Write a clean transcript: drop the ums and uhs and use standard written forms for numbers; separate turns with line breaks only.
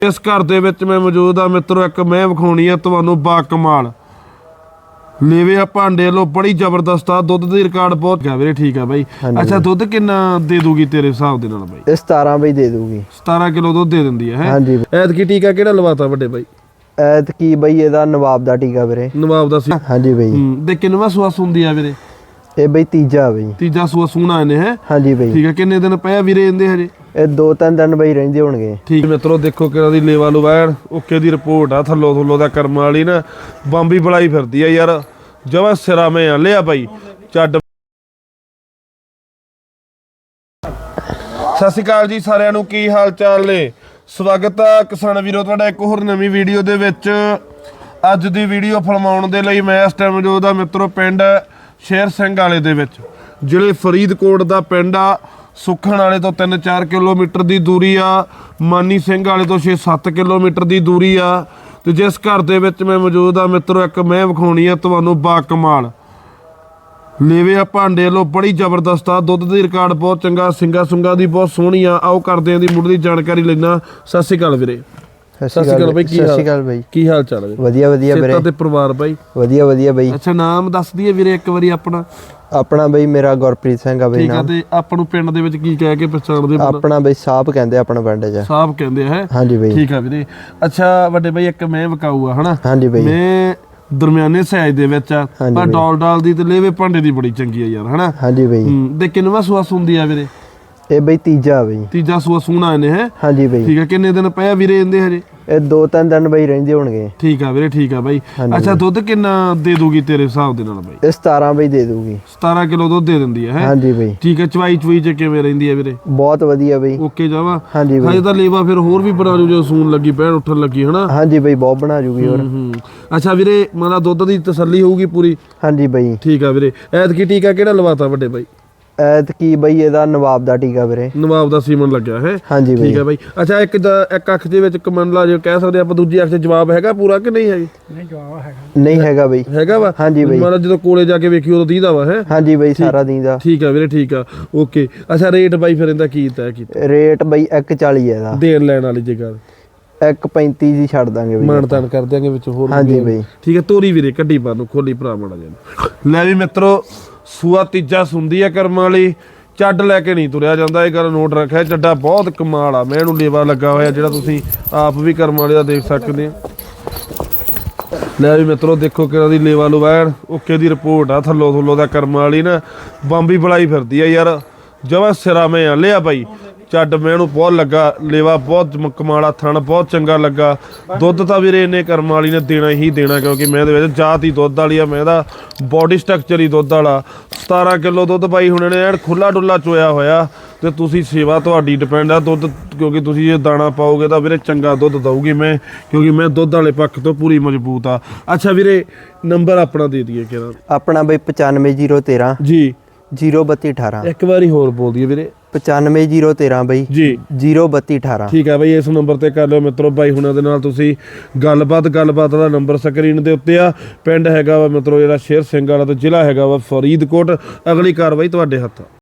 इस घर दे विच मैं मौजूद हाँ मित्रों। एक मैं विखाउणी है तुहानूं बा कमाल लेवे आ भांडे लो बड़ी जबरदस्त आ। दुध दी रिकॉर्ड बहुत है वीरे। ठीक है भाई। अच्छा दुध किन्ना दे दूगी तेरे हिसाब दे नाल भाई?
17 भाई दे दूगी।
17 किलो दुध दे दिंदी है।
हाँ जी।
ऐतकी टीका किहड़ा लवाता वड्डे भाई?
ऐतकी भाई ਇਹਦਾ नवाब दा टीका ਵੀਰੇ।
नवाब दा सी।
हाँ जी भाई।
ਤੇ ਕਿੰਨਵਾਂ ਸੂਆ ਸੁੰਦੀ ਆ ਵੀਰੇ?
ਇਹ ਬਈ ਤੀਜਾ ਬਈ।
ਤੀਜਾ ਸੂਆ ਸੂਣਾ ਇਹਨੇ ਹੈ।
ਹਾਂਜੀ ਬਈ।
ਠੀਕ ਹੈ। ਕਿੰਨੇ ਦਿਨ ਪਿਆ ਵੀਰੇ ਇਹਦੇ ਹਜੇ?
ਇਹ 2-3 ਦਿਨ ਬਈ ਰਹਿੰਦੇ ਹੋਣਗੇ।
ਠੀਕ ਮਿੱਤਰੋ ਦੇਖੋ ਕਿਹੜਾ ਦੀ ਲੇਵਾ ਲੁਵੈਣ ਓਕੇ ਦੀ ਰਿਪੋਰਟ ਆ। ਥੱਲੋਂ ਦਾ ਕਰਮ ਵਾਲੀ ਨਾ ਬੰਬੀ ਬੜਾਈ ਫਿਰਦੀ ਆ ਯਾਰ। ਜਮਾ ਸਿਰਾ ਮੈਂ ਆ ਲਿਆ ਭਾਈ ਚੱਡ। ਸਤਿ ਸ਼੍ਰੀ ਅਕਾਲ ਜੀ ਸਾਰਿਆਂ ਨੂੰ, ਕੀ ਹਾਲ ਚਾਲ ਨੇ? ਸਵਾਗਤ ਆ ਕਿਸਾਨ ਵੀਰੋ ਤੁਹਾਡਾ ਇੱਕ ਹੋਰ ਨਵੀਂ ਵੀਡੀਓ ਦੇ ਵਿੱਚ। ਅੱਜ ਦੀ ਵੀਡੀਓ ਫਿਲਮਾਉਣ ਦੇ ਲਈ ਮੈਂ ਇਸ ਟਾਈਮ ਜੋ ਦਾ ਮਿੱਤਰੋ ਪਿੰਡ ਸ਼ੇਰ ਸਿੰਘ ਵਾਲੇ ਦੇ ਵਿੱਚ, ਜ਼ਿਲ੍ਹੇ ਫਰੀਦਕੋਟ ਦਾ ਪਿੰਡ ਆ। ਸੁਖਣ ਵਾਲੇ ਤੋਂ 3-4 ਕਿਲੋਮੀਟਰ ਦੀ ਦੂਰੀ ਆ। ਮਾਨੀ ਸਿੰਘ ਵਾਲੇ ਤੋਂ 6-7 ਕਿਲੋਮੀਟਰ ਦੀ ਦੂਰੀ ਆ। ਤੇ ਜਿਸ ਘਰ ਦੇ ਵਿੱਚ ਮੈਂ ਮੌਜੂਦ ਆ ਮਿੱਤਰੋ, ਇੱਕ ਮੈਂ ਵਿਖਾਉਣੀ ਆ ਤੁਹਾਨੂੰ ਬਾ ਕਮਾਲ लेवे आ भांडे लो बड़ी जबरदस्त आ। दुध दी रिकॉर्ड बहुत चंगा, सिंगा सुंगा दी बहुत सोहनी आ। आओ करदे दी मुੱਢ ਦੀ ਜਾਣਕਾਰੀ ਲੈਣਾ। ਸਤਿ ਸ਼੍ਰੀ ਅਕਾਲ ਵੀਰੇ।
ਸਤਿ ਸ਼੍ਰੀ ਅਕਾਲ ਬਾਈ।
ਸਤਿ ਸ਼੍ਰੀ ਅਕਾਲ ਬਾਈ। ਕੀ ਹਾਲ ਚਾਲ ਹੈ?
ਵਧੀਆ ਵਧੀਆ ਵੀਰੇ।
ਤੇ ਪਰਿਵਾਰ ਬਾਈ? ਵਧੀਆ
ਵਧੀਆ ਬਾਈ।
ਅੱਛਾ ਨਾਮ ਦੱਸ ਦਈਏ ਵੀਰੇ ਇੱਕ ਵਾਰੀ ਆਪਣਾ?
ਆਪਣਾ ਬਈ ਮੇਰਾ ਗੁਰਪ੍ਰੀਤ ਸਿੰਘ ਆ ਬਈ ਨਾਮ।
ਠੀਕ ਆ। ਤੇ ਆਪਾਂ ਨੂੰ ਪਿੰਡ ਦੇ ਵਿੱਚ ਕੀ ਕਹਿ ਕੇ ਪਛਾਣਦੇ?
ਆਪਣਾ ਬਈ ਸਾਹਿਬ ਕਹਿੰਦੇ ਆਪਣਾ ਪਿੰਡ 'ਚ।
ਸਾਹਿਬ ਕਹਿੰਦੇ ਹੈ? ਹਾਂਜੀ ਬਈ। ਠੀਕ ਆ ਵੀਰੇ। ਅੱਛਾ ਵੱਡੇ ਬਾਈ ਇੱਕ ਮੈਂ ਵਿਕਾਊ ਆ ਹਨਾ? ਹਾਂਜੀ ਬਈ। ਮੈਂ ਦਰਮਿਆਨੇ ਸਾਈਜ਼ ਦੇ ਵਿੱਚ ਆ ਪਰ ਡਾਲ ਦੀ ਤੇ ਲੇਵੇ ਭਾਂਡੇ ਦੀ ਬੜੀ ਚੰਗੀ ਆ ਯਾਰ ਹਨਾ? ਹਾਂਜੀ ਬਈ। ਤੇ ਕਿੰਨਵਾਂ ਸੂਆ ਸੁੰਦੀ ਆ ਵੀਰੇ? ਇਹ ਬਈ ਤੀਜਾ ਬਈ। ਤੀਜਾ ਸੂਆ ਸੂਣਾ ਇਹਨੇ ਹੈ? ਹਾਂਜੀ ਬਈ। ਠੀਕ ਆ। ਕਿੰਨੇ ਦਿਨ ਪਿਆ ਵੀਰੇ ਇਹਦੇ ਹਜੇ? ਇਹ 2-3 ਦਿਨ ਬਈ ਰਹਿੰਦੇ ਹੋਣਗੇ। ਠੀਕ ਆ ਵੀਰੇ। ਠੀਕ ਆ ਬਾਈ। ਅੱਛਾ ਦੁੱਧ ਕਿੰਨਾ ਦੇ ਦੂਗੀ ਤੇਰੇ ਹਿਸਾਬ ਦੇ ਨਾਲ ਬਾਈ? ਇਹ 17 ਬਈ ਦੇ ਦੂਗੀ। 17 ਕਿਲੋ ਦੁੱਧ ਦੇ ਦਿੰਦੀ ਹੈ? ਹਾਂਜੀ ਬਈ। ਠੀਕ ਹੈ। ਚਵਾਈ ਚ ਕਿਵੇਂ ਰਹਿੰਦੀ ਹੈ ਵੀਰੇ? ਬਹੁਤ ਵਧੀਆ ਬਈ। ਓਕੇ ਜਾਵਾ? ਹਾਂਜੀ ਬਈ। ਹਜੇ ਤਾਂ ਲੇਵਾ ਫਿਰ ਹੋਰ ਵੀ ਬਣਾ ਜੂ ਜੋ ਸੂਣ ਲੱਗੀ ਪੈਣ ਉੱਠਣ ਲੱਗੀ ਹਨਾ? ਹਾਂਜੀ ਬਈ ਬਹੁਤ ਬਣਾ ਜੂਗੀ ਹੋਰ। ਅੱਛਾ ਵੀਰੇ ਮਤਲਬ ਦੁੱਧ ਦੀ ਤਸੱਲੀ ਹੋਊਗੀ ਪੂਰੀ? ਹਾਂਜੀ ਬਈ। ਠੀਕ ਆ ਵੀਰੇ। ਐਤਕੀ ਟੀਕਾ ਕਿਹੜਾ ਲਵਾਤਾ ਵੱਡੇ ਬਾਈ? ਐਤਕੀ ਬਈ ਇਹਦਾ ਨਵਾਬ ਦਾ ਟੀਕਾ ਵੀਰੇ। ਨਵਾਬ ਦਾ ਸੀਮਨ ਲੱਗਿਆ ਹੈ? ਹਾਂਜੀ ਬਈ। ਠੀਕ ਹੈ ਬਾਈ। ਅੱਛਾ ਇੱਕ ਅੱਖ ਦੇ ਵਿੱਚ ਕਮੰਡਲਾ ਜੇ ਕਹਿ ਸਕਦੇ ਆਪਾਂ, ਦੂਜੀ ਅੱਖ 'ਚ ਜਵਾਬ ਹੈਗਾ ਪੂਰਾ ਕਿ ਨਹੀਂ ਹੈਗੀ? ਨਹੀਂ ਜਵਾਬ ਹੈਗਾ। ਨਹੀਂ ਹੈਗਾ ਬਈ। ਹੈਗਾ ਵਾ? ਹਾਂਜੀ ਬਈ। ਮਤਲਬ ਜਦੋਂ ਕੋਲੇ ਜਾ ਕੇ ਵੇਖੀ ਉਦੋਂ ਦੀਦਾ ਵਾ ਹੈ? ਹਾਂਜੀ ਬਈ ਸਾਰਾ ਦੀਦਾ। ਠੀਕ ਆ ਵੀਰੇ। ਠੀਕ ਆ ਓਕੇ। ਅੱਛਾ ਰੇਟ ਬਾਈ ਫਿਰ ਇਹਦਾ ਕੀ ਤੈਅ ਕੀਤਾ? ਰੇਟ ਬਈ 140 ਹੈ ਇਹਦਾ। ਦੇਣ ਲੈਣ ਵਾਲੀ ਜਗ੍ਹਾ 135 ਜੀ ਛੱਡ ਦਾਂਗੇ ਬਈ। ਮਾਨਤਾਨ ਕਰ ਦਿਆਂਗੇ ਵਿੱਚ ਹੋਰ। ਹਾਂਜੀ ਬਈ। ਠੀਕ ਹੈ। ਤੋਰੀ ਵੀਰੇ ਕੱਢੀ ਬਾਹਰ ਨੂੰ, ਖੋਲੀ ਭਰਾ ਮਾੜਾ ਜਿਹਾ। ਲੈ ਵੀ ਮਿੱਤਰੋ ਸੂਆ ਤੀਜਾ ਸੁੰਦੀ ਆ ਕਰਮਾਂ ਵਾਲੀ। ਚੱਡ ਲੈ ਕੇ ਨਹੀਂ ਤੁਰਿਆ ਜਾਂਦਾ, ਇਹ ਗੱਲ ਨੋਟ ਰੱਖਿਆ। ਚੱਡਾ ਬਹੁਤ ਕਮਾਲ ਆ। ਮੈਂ ਇਹਨੂੰ ਲੇਵਾ ਲੱਗਾ ਹੋਇਆ ਜਿਹੜਾ ਤੁਸੀਂ ਆਪ ਵੀ ਕਰਮਾਂ ਵਾਲੇ ਦਾ ਦੇਖ ਸਕਦੇ ਆ। ਲੈ ਵੀ ਮਿੱਤਰੋ ਦੇਖੋ ਕਿਹੜਾ ਦੀ ਲੇਵਾ ਲੁਵੈਣ ਓਕੇ ਦੀ ਰਿਪੋਰਟ ਆ। ਥੱਲੋਂ ਦਾ ਕਰਮਾਂ ਵਾਲੀ ਨਾ ਬੰਬੀ ਬੜਾਈ ਫਿਰਦੀ ਆ ਯਾਰ। ਜਮਾ ਸਿਰਾ ਮੈਂ ਆ ਲਿਆ ਭਾਈ ਚੱਡ। ਮੈਨੂੰ ਬਹੁਤ ਲੱਗਾ ਲੇਵਾ, ਬਹੁਤ ਕਮਾਲਾ ਥਣ, ਬਹੁਤ ਚੰਗਾ ਲੱਗਾ। ਦੁੱਧ ਤਾਂ ਵੀਰੇ ਇਹਨੇ ਕਰਮ ਵਾਲੀ ਨੇ ਦੇਣਾ ਹੀ ਦੇਣਾ ਕਿਉਂਕਿ ਮੈਂ ਦੇ ਵਿੱਚ ਜਾਤ ਹੀ ਦੁੱਧ ਵਾਲੀ ਆ। ਮੈਂ ਇਹਦਾ ਬੋਡੀ ਸਟਰਕਚਰ ਹੀ ਦੁੱਧ ਵਾਲਾ। 17 ਕਿਲੋ ਦੁੱਧ ਬਾਈ ਹੁਣ ਇਹਨੇ ਐਨ ਖੁੱਲਾ ਡੁੱਲਾ ਚੋਇਆ ਹੋਇਆ। ਤੇ ਤੁਸੀਂ ਸੇਵਾ ਤੁਹਾਡੀ ਡਿਪੈਂਡ ਆ ਦੁੱਧ, ਕਿਉਂਕਿ ਤੁਸੀਂ ਜੇ ਦਾਣਾ ਪਾਓਗੇ ਤਾਂ ਵੀਰੇ ਚੰਗਾ ਦੁੱਧ ਦਊਗੀ ਮੈਂ, ਕਿਉਂਕਿ ਮੈਂ ਦੁੱਧ ਵਾਲੇ ਪੱਖ ਤੋਂ ਪੂਰੀ ਮਜ਼ਬੂਤ ਆ। ਅੱਛਾ ਵੀਰੇ ਨੰਬਰ ਆਪਣਾ ਦੇ ਦਈਏ ਕਿਹੜਾ? ਆਪਣਾ ਬਈ 95013 ਜੀ 03218। ਇੱਕ ਵਾਰੀ ਹੋਰ ਬੋਲ ਦਈਏ ਵੀਰੇ? 95013 ਬਾਈ ਜੀ 03218। ਠੀਕ ਹੈ ਬਾਈ। ਇਸ ਨੰਬਰ ਤੇ ਕਰ ਲਿਓ ਮਿੱਤਰੋ ਬਾਈ ਹੁਣਾਂ ਦੇ ਨਾਲ ਤੁਸੀਂ ਗੱਲਬਾਤ ਦਾ ਨੰਬਰ ਸਕਰੀਨ ਦੇ ਉੱਤੇ ਆ। ਪਿੰਡ ਹੈਗਾ ਵਾ ਮਿੱਤਰੋ ਜਿਹੜਾ ਸ਼ੇਰ ਸਿੰਘ ਵਾਲਾ ਤੇ ਜ਼ਿਲ੍ਹਾ ਹੈਗਾ ਵਾ ਫਰੀਦਕੋਟ। ਅਗਲੀ ਕਾਰਵਾਈ ਤੁਹਾਡੇ ਹੱਥ।